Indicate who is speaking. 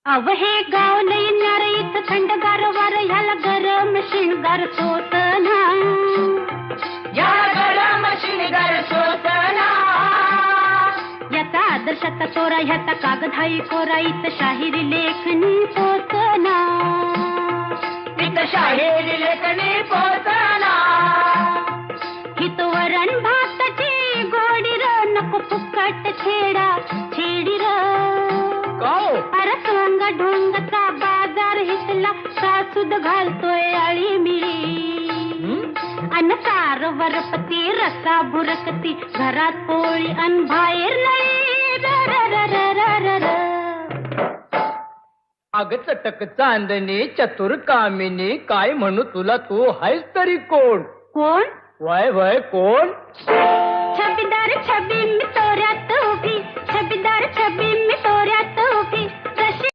Speaker 1: अव हे गाव लई न्यार इथं थंडगार वार ह्याला गरम शिणगार सोसना
Speaker 2: याला गरम शिणगार सोसना
Speaker 1: याचा आदर्शाचा चोरा ह्याचा कागदाई कोरा इथं शाहिरी लेखणी पोचना
Speaker 2: इथं शाहिरी लेखणी पोचना
Speaker 1: हित वरण भाताची गोडी र नको फुकट छेडा छेडी र अरे सोंग ढोंगचा बाजार हितला सासूद घालतोय आळी मिळी अन सार वरपती रसा बुरकती घरात पोळी अन बाहेर नाही र र र र र र
Speaker 2: अग चटक चांदणी चतुर कामिनी काय म्हणू तुला तू हायस तरी कोण
Speaker 1: कोण
Speaker 2: वय वय कोण
Speaker 1: छबीदार छबी मी तोऱ्यात